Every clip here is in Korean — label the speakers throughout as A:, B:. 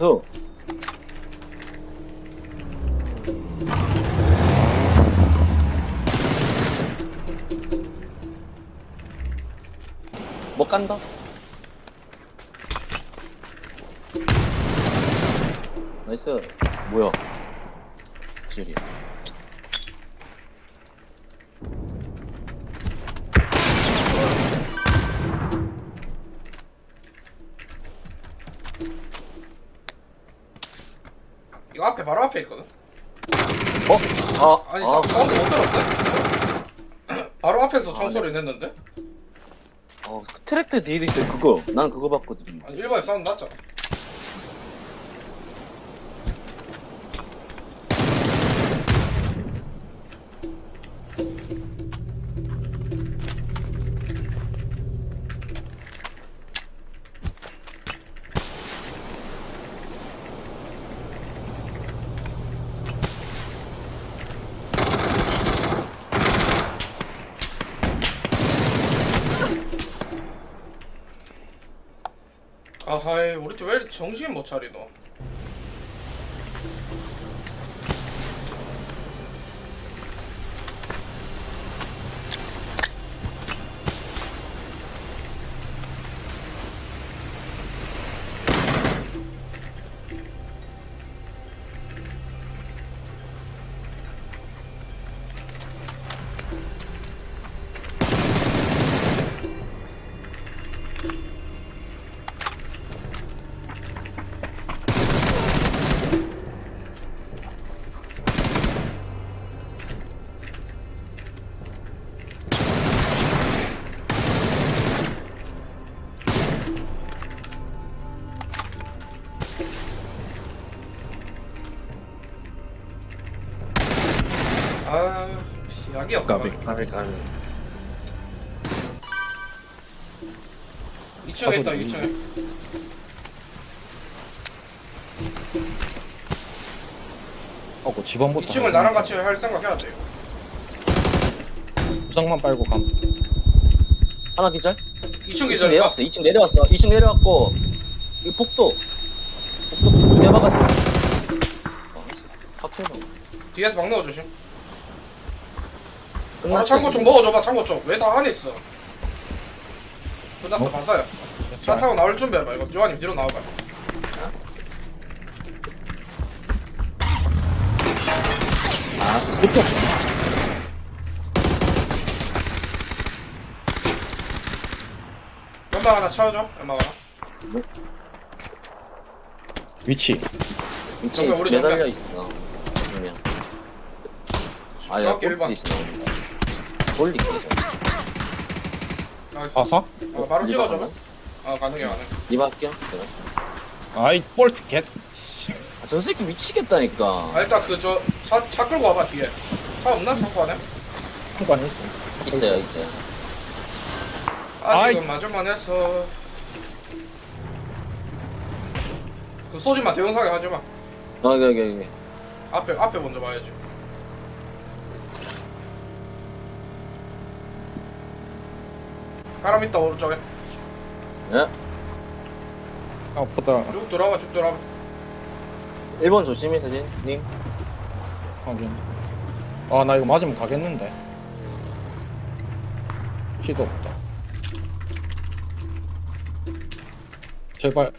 A: 나이스. 뭐 깐다? 나이스. 뭐야? 지리야.
B: 이거 앞에 바로 앞에 있거든. 아니 사운드 못 들었어? 바로 앞에서 총소리 냈는데?
A: 그 트랙터 뒤에도 있어. 그거. 난 그거 봤거든.
B: 아니 1번에 사운드 났잖아. 아하이 우리 팀 왜 이렇게 정신 못 차리노? 아 약이 없어.
A: 까비.
B: 2층에 있다 2층에.
C: 하고 집안부터
B: 2층을 나랑 같이 할 생각 해야 돼.
C: 부상만 빨고 감.
A: 하나 기절?
B: 2층
A: 2층
B: 기절인가?
A: 내려왔어. 2층 내려왔어. 2층 내려왔고 이 복도 2개 박았어. 확 튀어.
B: 뒤에서 막 넣어주심. 아
A: 끝났어.
B: 창고 좀 먹어줘봐. 창고 좀. 왜 다 안에 있어? 끝났어. 봤어요. 차 타고 나올 준비해봐. 이거 요한님 뒤로 나와봐.
A: 붙어.
B: 연막 하나 채워줘. 연막 하나.
C: 위치.
A: 위치
B: 정면, 우리
A: 매달려
B: 정면.
A: 있어. 그러면. 아야
B: 정확히 일반.
A: 꼴찌 있어. 돌리 기절.
B: 나이스.
C: 아사?
B: 바로
A: 이거
B: 찍어줘봐.
A: 가나?
B: 가능해 가능.
A: 이거 할게요. 제가.
C: 아이 볼트 겟.
A: 저 새끼 미치겠다니까.
B: 일단 그 차 끌고 와봐 뒤에. 차 없나 창고 안에?
C: 한관 있어.
A: 있어요.
B: 아직은 맞을만 했어. 그 쏘지마. 대용사게 하지마.
A: 여기.
B: 앞에 먼저 봐야지. 사람 있다 오른쪽에.
A: 예?
C: 아프다.
B: 쭉 돌아봐 쭉 돌아봐.
A: 1번 조심히 서진님.
C: 확인. 아 나 이거 맞으면 가겠는데. 피도 없다. 제발.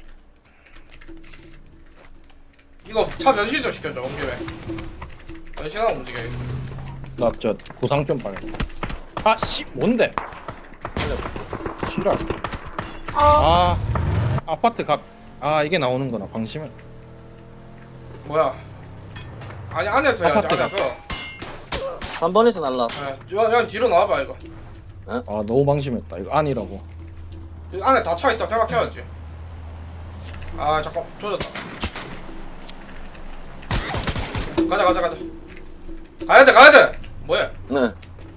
B: 이거 차 변신 좀 시켜줘 온 김에. 변신하고 움직여.
C: 나 저 보상 좀 빨리. 아씨 뭔데? 싫어. 아 아파트 각. 아 이게 나오는구나 방심을.
B: 뭐야? 아니 안에서 해야지
C: 아파트가.
B: 안에서.
A: 3번에서 날라왔어.
B: 야 뒤로 나와봐 이거.
C: 아 너무 방심했다. 이거 아니라고.
B: 이 안에 다 차 있다 생각해야지. 아 잠깐 조졌다. 가자. 가야 돼. 뭐야?
A: 네.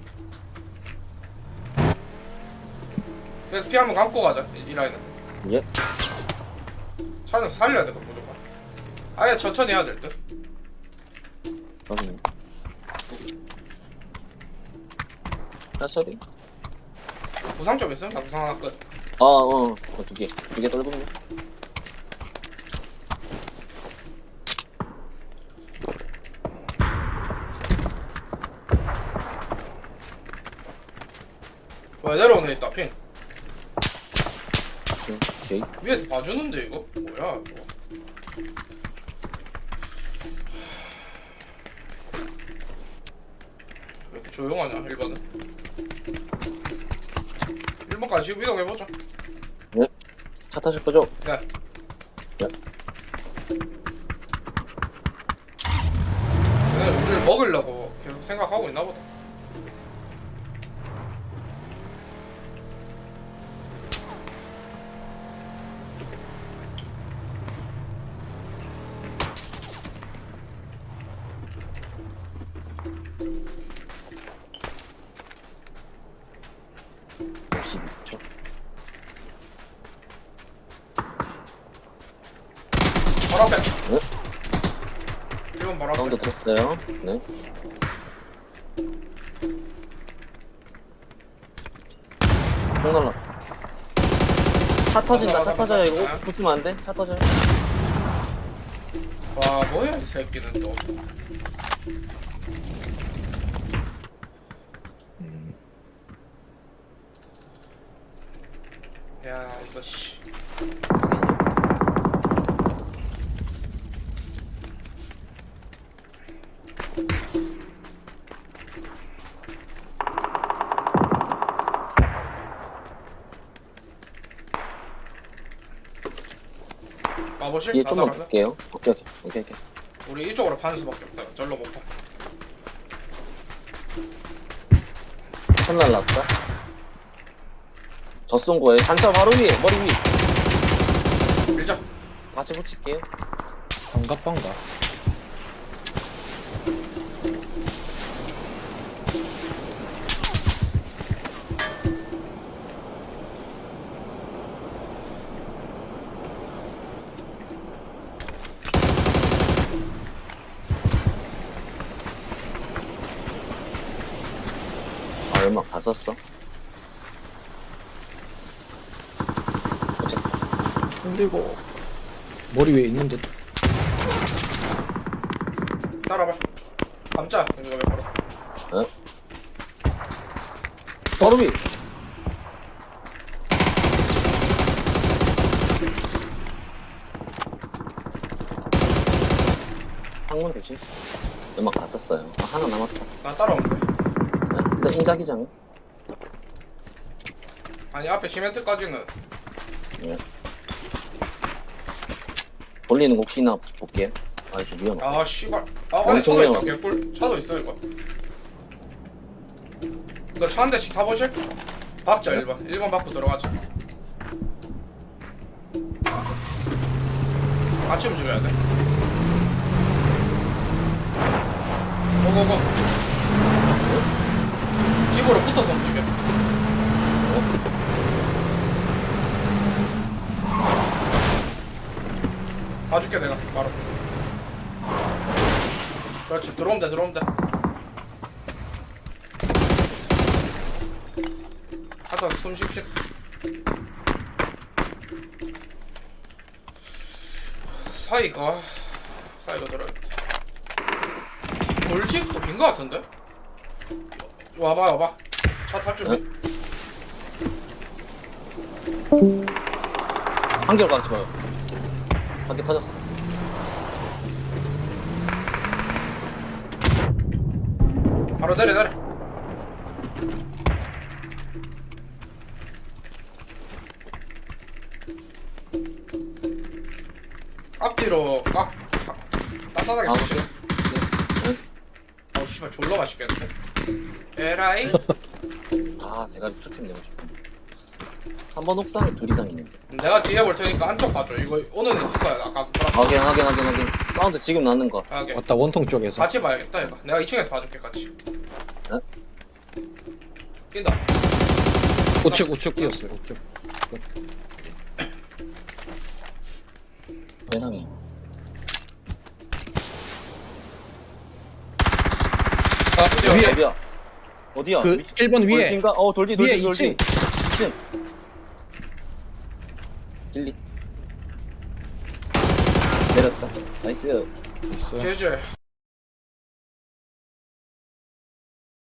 B: 그래서 피 한번 감고 가자 이 라인은.
A: 예.
B: 차는 살려야 돼 무조건. 아예 천천히 해야 될 듯.
A: 확인. 소리?
B: 부상 좀 있음? 나 부상 하나 끝.
A: 두 개 떨군요.
B: 왜 내려오네 있다 핑.
A: 오케이.
B: 위에서 봐주는데 이거 뭐야 이거. 왜 이렇게 조용하냐 1번은. 1번까지 지금 이동해보자.
A: 네. 차 타실 거죠?
B: 네.
A: 네.
B: 얘네 우리를 먹으려고 계속 생각하고 있나 보다.
A: 초
B: 바로 앞에.
A: 네.
B: 1번 바로 앞에.
A: 사운드 들었어요. 네. 총 날라. 차 터진다. 차 터져요. 이거 붙으면 안 돼. 차 터져요.
B: 와 뭐야 이 새끼는 또. 야 이거 씨. 가보실?
A: 뒤에 좀만
B: 나가면?
A: 볼게요. 오케이.
B: 우리 이쪽으로 파는 수밖에 없다. 절로 못 파.
A: 천 날랐다. 저 쏜 거예요. 단차 바로 위에, 머리 위.
B: 밀자.
A: 같이 붙일게요.
C: 반갑반가.
A: 아, 연막 다 썼어. 어쨌든.
C: 흔들고. 머리 위에 있는 듯.
B: 따라봐. 감자. 이거 왜 바로.
A: 어? 바로 위. 항문 조심. 연막 다 썼어요. 아, 하나 남았다.
B: 나 따라오면 돼.
A: 네. 일단 인자기장.
B: 아니 앞에 시멘트까지는.
A: 네. 돌리는 거 혹시나 볼게요. 아, 이거 위험하다.
B: 아 씨발. 아 안에 차도 있다. 개꿀. 차도 있어 이거. 이거 차 한 대씩 타보실? 박자 1번. 1번 받고 들어가자. 같이 움직여야 돼. 고고고. 집으로 붙어서 움직여. 봐줄게 내가 바로. 그렇지 들어오면 돼 들어오면 돼. 하다 숨 쉽시다. 사이가 들어야겠다. 돌집도 빈 거 같은데? 와봐 차 탈 준비.
A: 한결 가지 마요. 한개 터졌어.
B: 바로 내려. 앞뒤로 꽉 따뜻하게
A: 아,
B: 부시네.
A: 네.
B: 어우 씨발 졸라 맛있겠는데. 에라이.
A: 아, 대가리 툭툭 내고 싶어. 한 번 옥상에 둘 이상 있는데.
B: 내가 뒤에 볼 테니까 안쪽 봐줘. 이거 오는 애 있을 거야. 아까 그거랑
A: 확인. 사운드 지금 나는 거.
B: 하게.
C: 왔다, 원통 쪽에서.
B: 같이 봐야겠다 얘가. 내가 2층에서 봐줄게 같이.
A: 네?
B: 뛴다.
C: 우측 뛰었어요, 우측.
A: 배낭이.
B: 아
C: 위에.
A: 어디야?
C: 그 1번 위에.
A: 돌진가? 돌디.
C: 위에 2층.
A: 2층. 길리. 내렸다. 나이스.
C: 있어.
B: 제제.